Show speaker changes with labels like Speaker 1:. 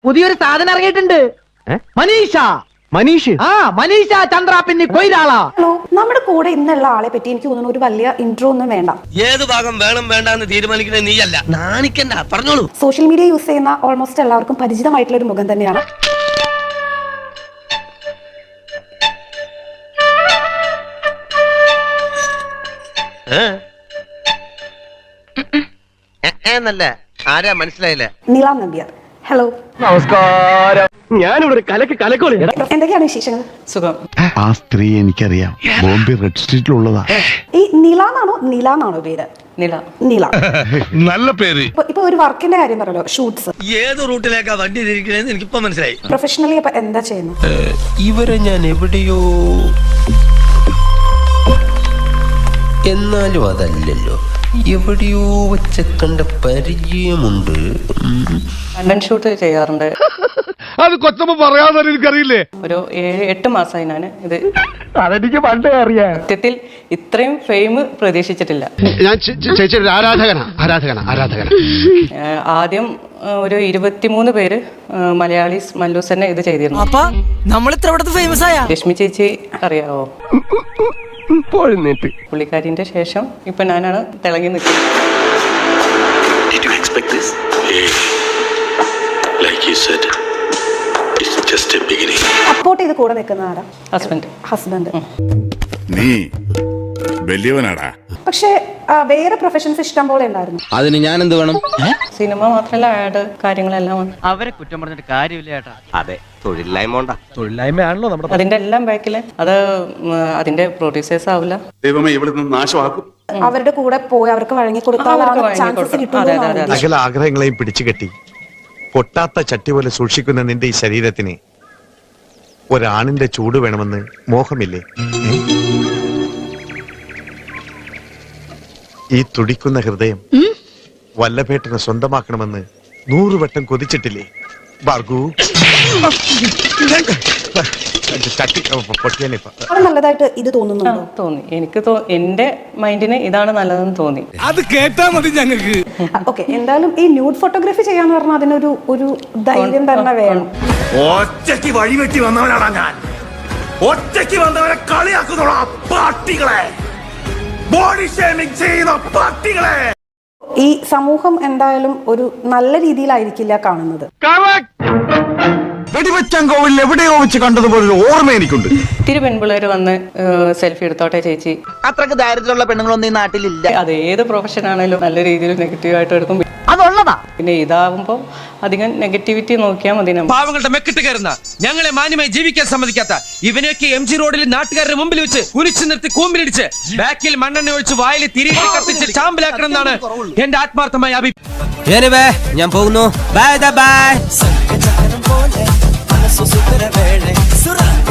Speaker 1: പുതിയൊരു സാധനം ഇറങ്ങിയിട്ടുണ്ട്. മനീഷ മനീഷ ചന്ദ്ര പിന്നെ കൊയിലാള.
Speaker 2: ഹലോ, നമ്മുടെ കൂടെ ഇന്നുള്ള ആളെ പറ്റി എനിക്ക് തോന്നുന്നു ഒരു വലിയ ഇൻട്രോ ഒന്നും വേണ്ട.
Speaker 3: ഏത് ഭാഗം വേണം വേണ്ടെന്ന് തീരുമാനിക്കുന്നത് നീയല്ല. നാണിക്കണ്ട, പറഞ്ഞോളൂ.
Speaker 2: സോഷ്യൽ മീഡിയ യൂസ് ചെയ്യുന്ന ഓൾമോസ്റ്റ് എല്ലാവർക്കും പരിചിതമായിട്ടുള്ള ഒരു മുഖം തന്നെയാണ്.
Speaker 3: ആരാ മനസ്സിലായില്ല?
Speaker 2: നീല നമ്പ്യാർ. ഹലോ,
Speaker 1: നമസ്കാരം. ഞാനിവിടെ കലക്കോളി.
Speaker 2: എന്തൊക്കെയാണ് വിശേഷങ്ങൾ?
Speaker 4: സുഖം.
Speaker 5: ആ സ്ത്രീ എനിക്കറിയാം, ബോംബെ റെഡ് സ്ട്രീറ്റിലുള്ളതാ.
Speaker 2: ഈ നീലാന്നാണോ പേര്? നീല.
Speaker 5: നല്ല പേര്.
Speaker 2: ഇപ്പൊ ഒരു വർക്കിന്റെ കാര്യം പറയല്ലോ, ഷൂട്ട്സ്.
Speaker 3: ഏത് റൂട്ടിലേക്കാ വണ്ടി തിരിക്കണേന്ന് എനിക്കിപ്പോ മനസ്സിലായി.
Speaker 2: പ്രൊഫഷണലി അപ്പൊ എന്താ ചെയ്യുന്നത്?
Speaker 6: ഇവരെ ഞാൻ എവിടെയോ, എന്നാലും അതല്ലല്ലോ, എവിടെയോ വെച്ച കണ്ട പരിചയമുണ്ട്.
Speaker 4: കണ്ടന്റ് ഷൂട്ട് ചെയ്യാറുണ്ട്.
Speaker 5: അത് കൊച്ചമ്മ പറയാതെ എനിക്കറിയില്ലേ.
Speaker 4: ഒരു 7-8 മാസമായി ഞാൻ ഇത്.
Speaker 1: അതെനിക്ക് പണ്ടേ അറിയാം.
Speaker 4: സത്യത്തിൽ ഇത്രയും ഫെയിം പ്രതീക്ഷിച്ചിട്ടില്ല.
Speaker 5: ഞാൻ ചേച്ചിയുടെ ആരാധകനാ.
Speaker 4: ആദ്യം ഒരു 23 പേര് മലയാളീസ് മല്ലൂസ് തന്നെ ഇത് ചെയ്തിരുന്നു.
Speaker 1: അപ്പൊ നമ്മൾ ഇത്ര ഫേമസ് ആയ
Speaker 4: രശ്മി ചേച്ചി അറിയാവോ? പുള്ളിക്കാരിന്റെ ശേഷം ഇപ്പൊ ഞാനാണ് തിളങ്ങി നിൽക്കുന്നത്.
Speaker 2: സപ്പോർട്ട് ചെയ്ത് കൂടെ നിൽക്കുന്ന ആരാ? ഹസ്ബൻഡ്.
Speaker 7: നീ വലിയവനാടാ.
Speaker 2: പക്ഷെ വേറെ പ്രൊഫഷൻസ് ഇഷ്ടം പോലെ ഉണ്ടായിരുന്നു.
Speaker 6: അതിന് ഞാൻ എന്ത് വേണം?
Speaker 4: സിനിമ മാത്രമല്ല, ആഡ് കാര്യങ്ങളെല്ലാം വന്നു.
Speaker 1: അവരെ കുറ്റം പറഞ്ഞിട്ട് കാര്യമില്ല ചേട്ടാ.
Speaker 6: അതെ, തൊഴിലില്ലായ്മയാണല്ലോ നമ്മുടെ.
Speaker 4: അതിന്റെ എല്ലാം ബാക്കില് അത് അതിന്റെ പ്രൊഡ്യൂസേഴ്സ് ആവില്ല.
Speaker 7: ദൈവമേ, ഇവിടെ നിന്ന് നാശമാക്കും.
Speaker 2: അവരുടെ കൂടെ പോയി അവർക്ക് വഴങ്ങി കൊടുത്താൽ ചാൻസസ് കിട്ടും.
Speaker 8: സകല ആഗ്രഹങ്ങളെയും പിടിച്ചുകെട്ടി പൊട്ടാത്ത ചട്ടി പോലെ സൂക്ഷിക്കുന്ന നിന്റെ ഈ ശരീരത്തിന് ഒരാണിന്റെ ചൂട് വേണമെന്ന് മോഹമില്ലേ? ഈ തുടിക്കുന്ന ഹൃദയം വല്ലഭേട്ടനെ സ്വന്തമാക്കണമെന്ന് 100 വട്ടം കൊതിച്ചിട്ടില്ലേ ഭാർഗു?
Speaker 2: നല്ലതായിട്ട് ഇത് തോന്നുന്നുണ്ടോ?
Speaker 4: തോന്നി. എനിക്ക് എന്റെ മൈൻഡിന് ഇതാണ് നല്ലതെന്ന് തോന്നി.
Speaker 5: അത് കേട്ടാ മതി ഞങ്ങൾക്ക്.
Speaker 2: ഓക്കെ, എന്തായാലും ഈ ന്യൂഡ് ഫോട്ടോഗ്രാഫി ചെയ്യാന്ന് പറഞ്ഞാൽ അതിനൊരു ഒരു ധൈര്യം തന്നെ വേണം.
Speaker 7: ഒറ്റയ്ക്ക് വഴിവെട്ടി വന്നവനാടാ ഞാൻ. ഒറ്റയ്ക്ക് വന്നവരെ കളിയാക്കുന്നോളാ പാർട്ടികളെ, ബോഡി ഷേമിംഗ് ചെയ്യുന്ന പാർട്ടികളെ.
Speaker 2: ഈ സമൂഹം എന്തായാലും ഒരു നല്ല രീതിയിലായിരിക്കില്ല കാണുന്നത്.
Speaker 5: വെടിവെച്ചാൻ കോവിൽ എവിടെയോ വെച്ച് കണ്ടതുപോലെ ഒരു ഓർമ്മ എനിക്കുണ്ട്.
Speaker 4: ഇത്തിരി പെൺപിള്ളേര് വന്ന് സെൽഫി എടുത്തോട്ടെ ചേച്ചി.
Speaker 1: അത്രക്ക് ദാരിദ്ര്യമുള്ള പെണ്ണുങ്ങളൊന്നും ഈ നാട്ടിലില്ല.
Speaker 4: അത് ഏത് പ്രൊഫഷൻ ആണെങ്കിലും നല്ല രീതിയിൽ നെഗറ്റീവായിട്ട് എടുക്കും.
Speaker 1: അതുള്ളതാ.
Speaker 4: പിന്നെ ഇതാവുമ്പോ അധികം നെഗറ്റിവിറ്റി നോക്കിയാൽ മതി.
Speaker 3: പാവങ്ങളുടെ മെക്കിട്ട് കയറുന്ന, ഞങ്ങളെ മാന്യമായി ജീവിക്കാൻ സമ്മതിക്കാത്ത ഇവനെയൊക്കെ MG റോഡിൽ നാട്ടുകാരുടെ മുമ്പിൽ വെച്ച് കുനിച്ചു നിർത്തി കൂമ്പിലിടിച്ച് ബാക്കിൽ മണ്ണെണ്ണ ഒഴിച്ച് വായിൽ തിരികെ കത്തിച്ച് ചാമ്പലാക്കണം എന്നാണ് എന്റെ ആത്മാർത്ഥമായ അഭിപ്രായം.
Speaker 6: ഞാൻ പോകുന്നു. ബൈ.